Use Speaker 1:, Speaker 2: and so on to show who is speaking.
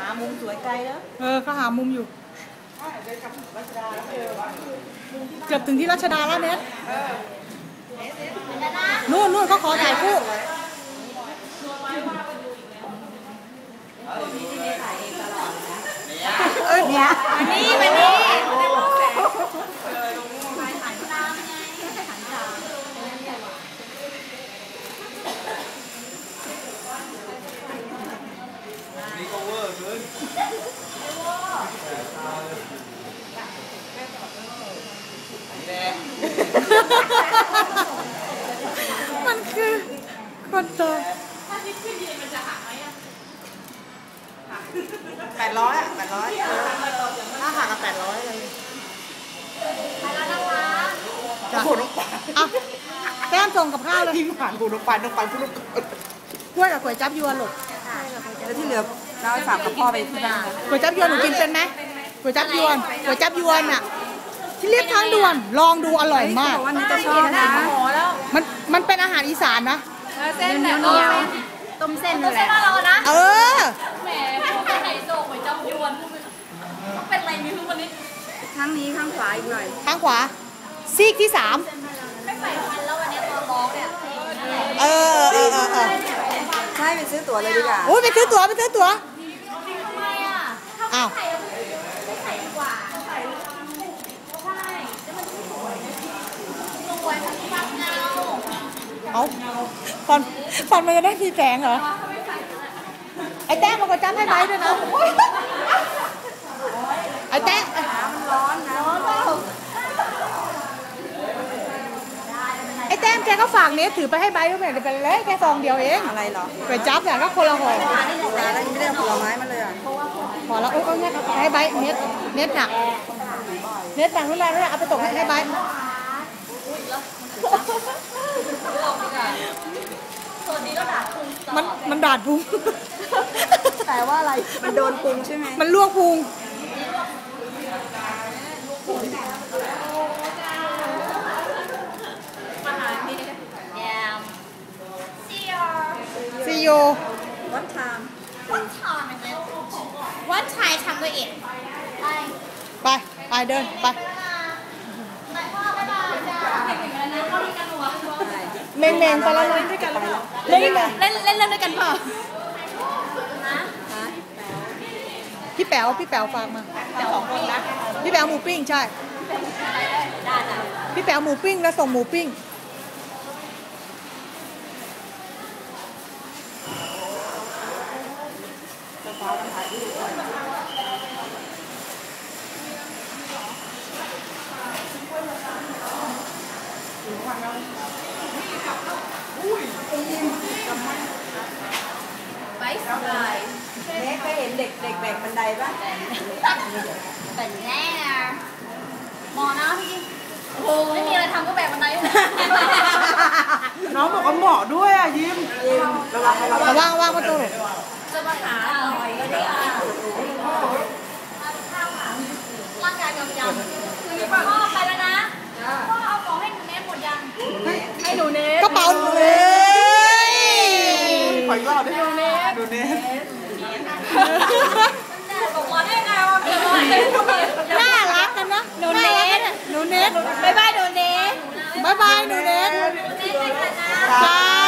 Speaker 1: มุมสวยไกลแล้ว
Speaker 2: เขาหามุมอยู่เกือบถึงที่รัชดาแล้วเน็ตนู่นเขาขอถ่ายคู่
Speaker 1: เนี่ยวันนี้
Speaker 3: นี่ก็เวอร์เกิน
Speaker 2: มันคือคนโต
Speaker 1: 800อ่ะถ้าหักกับ800เลยไปแล้วนะคะหูน้องปลา
Speaker 2: แก้มส่งกับข้าวเลย
Speaker 1: ทิ้งผ่านหูน้องปลาพูด
Speaker 2: กล้วยกับก๋วยจั๊บยวนหรอ
Speaker 1: แล้วที่เหลือเราฝากกับพ่อไปที่บ้าน
Speaker 2: ก๋วยจั๊บยวนหนูกินเป็นไหมก๋วยจั๊บยวนอ่ะที่เรียกทางด่วนลองดูอร่อยมาก
Speaker 1: วันนี้จะชอบนะ
Speaker 2: มันเป็นอาหารอีสานนะ
Speaker 1: เส้นเหนียวต้มเส้นนั่นแหละ
Speaker 2: นะ
Speaker 4: แหมพวกไห่โซ่ก๋วยจั๊บยวนต้องเป็นอะไรมีทุกวันนี้
Speaker 1: ข้างนี้ข้างขวาอีกหน่อย
Speaker 2: ข้างขวาซีกที่3
Speaker 4: ไม่ใส่ฟันแล้ววันนี้ตอนร้องเนี่ย
Speaker 1: ใช่ไปซื้อตั๋วเลยดีกว่า
Speaker 2: โอ้ยไปซื้อตั๋ว
Speaker 4: ทำไมอ่ะ
Speaker 2: อ้าว
Speaker 4: ไม่ใส่ดีกว่าใช่แล้วมันสวยมันฟังเงา
Speaker 2: เอาฟันมันจะได้ทีแสงเหรอไอ้แต้มมันก็จำให้ไว้ด้วยนะไอ้แต้ม
Speaker 1: มันร้อนนะ
Speaker 2: ไอ้แต้มแกก็ฝากเนี้ยถือไปให้ใบก็ไม่ได้เป็นเลยแค่ซองเดียวเอง
Speaker 1: อะไรหรอ
Speaker 2: ไปจับอย่างก็คนละห่อ
Speaker 1: แล้วยังไม่ได้ผลไม้มาเลยอ่ะ
Speaker 2: พอแล้วโอ้ยเนี่ยให้ใบเน็ตหนักนู่นแหละเอาไปตกให้ใบมันดาดพุง
Speaker 1: แต่ว่าอะไรมันโดนพุงใช่ไหม
Speaker 2: มันลวกพุงซีโอ
Speaker 1: วัดไทม์
Speaker 4: What time ทำด้วยเอ็ด
Speaker 2: ไปเดินไปเมงไปแล้วเล่นด้วยกันเล่น
Speaker 4: ด้วยกันเปล่า
Speaker 2: พี่แป๋วฝากมา
Speaker 4: 2 คนนะ
Speaker 2: พี่แป๋วหมูปิ้งใช่พี่แป๋วหมูปิ้งแล้วส่งหมูปิ้ง
Speaker 4: ไปสบาย
Speaker 1: เน็กเคยเห็นเด็กแบกบันไดป่ะ
Speaker 4: เป็นแน่มอนะพี่โอ้ไม่มีอะไรทำก็แบกบันได
Speaker 1: น้องบอกว่าเหมาะด้วยอ่ะยิ้ม
Speaker 2: ระวังประตู
Speaker 4: จะมาหาหน่อยก็ได้ร่างกายกำยำพ่อไปแล้วนะพ่อเอาของให้หนูเนสหมดยังให้หนูเนส
Speaker 2: กระเป๋าเลย
Speaker 1: ขออีกรอบดิหนูเนส
Speaker 4: บอกว่าได้ไงว่าเป็นอะไร
Speaker 2: น่ารักกันนะหนูเนส
Speaker 4: บ๊ายบายหนูเนส
Speaker 2: บ๊ายบายหนูเนส
Speaker 4: ไปกันนะ
Speaker 2: จ้า